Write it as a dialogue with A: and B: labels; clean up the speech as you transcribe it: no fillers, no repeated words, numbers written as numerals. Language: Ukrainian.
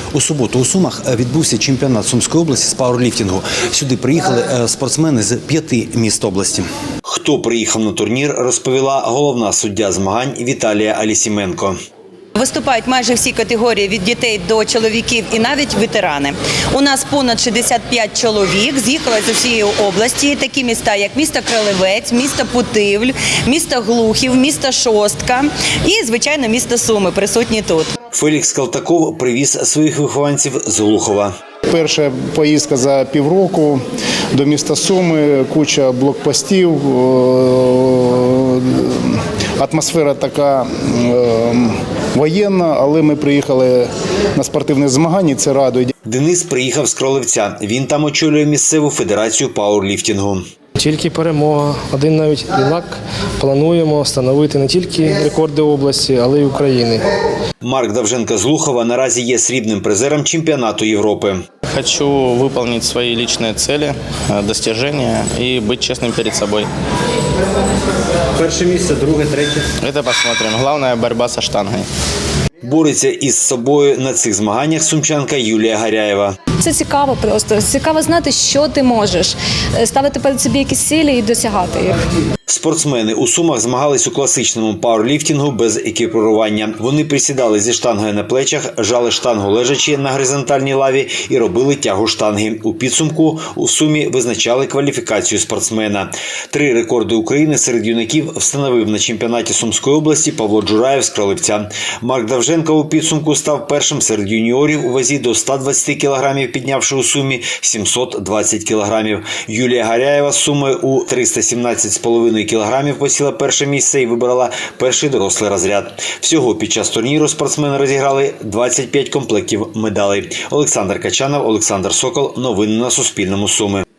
A: У суботу у Сумах відбувся чемпіонат Сумської області з пауерліфтингу. Сюди приїхали спортсмени з 5 міст області. Хто приїхав на турнір, розповіла головна суддя змагань Віталія Алісіменко.
B: Виступають майже всі категорії від дітей до чоловіків і навіть ветерани. У нас понад 65 чоловік з'їхали з усієї області. Такі міста, як місто Кролевець, місто Путивль, місто Глухів, місто Шостка і, звичайно, місто Суми присутні тут.
A: Фелікс Калтаков привіз своїх вихованців з Глухова.
C: Перша поїздка за півроку до міста Суми, куча блокпостів, атмосфера така воєнна, але ми приїхали на спортивне змагання, це радує.
A: Денис приїхав з Кролевця. Він там очолює місцеву федерацію пауерліфтингу.
D: Тільки перемога. Один навіть юнак плануємо встановити не тільки рекорди області, але й України.
A: Марк Давженко з Глухова наразі є срібним призером чемпіонату Європи.
E: Хочу выполнить свои личные цели, достижения и быть честным перед собой.
A: Перше місце, друге, третє.
E: Это посмотрим. Главное – борьба со штангой.
A: Бореться із собою на цих змаганнях сумчанка Юлія Гаряєва.
F: Це цікаво просто. Цікаво знати, що ти можеш. Ставити перед собі якісь цілі і досягати їх.
A: Спортсмени у Сумах змагались у класичному пауерліфтингу без екіпірування. Вони присідали зі штангою на плечах, жали штангу лежачи на горизонтальній лаві і робили тягу штанги. У підсумку у Сумі визначали кваліфікацію спортсмена. 3 рекорди України серед юнаків встановив на чемпіонаті Сумської області Павло Джураєв з Кролевця. Марк Давженко у підсумку став першим серед юніорів у вазі до 120 кілограмів, піднявши у Сумі 720 кілограмів. Юлія Гаряєва з Суми у 317,5 кілограмів посіла перше місце і вибрала перший дорослий розряд. Всього під час турніру спортсмени розіграли 25 комплектів медалей. Олександр Качанов, Олександр Сокол. Новини на Суспільному. Суми.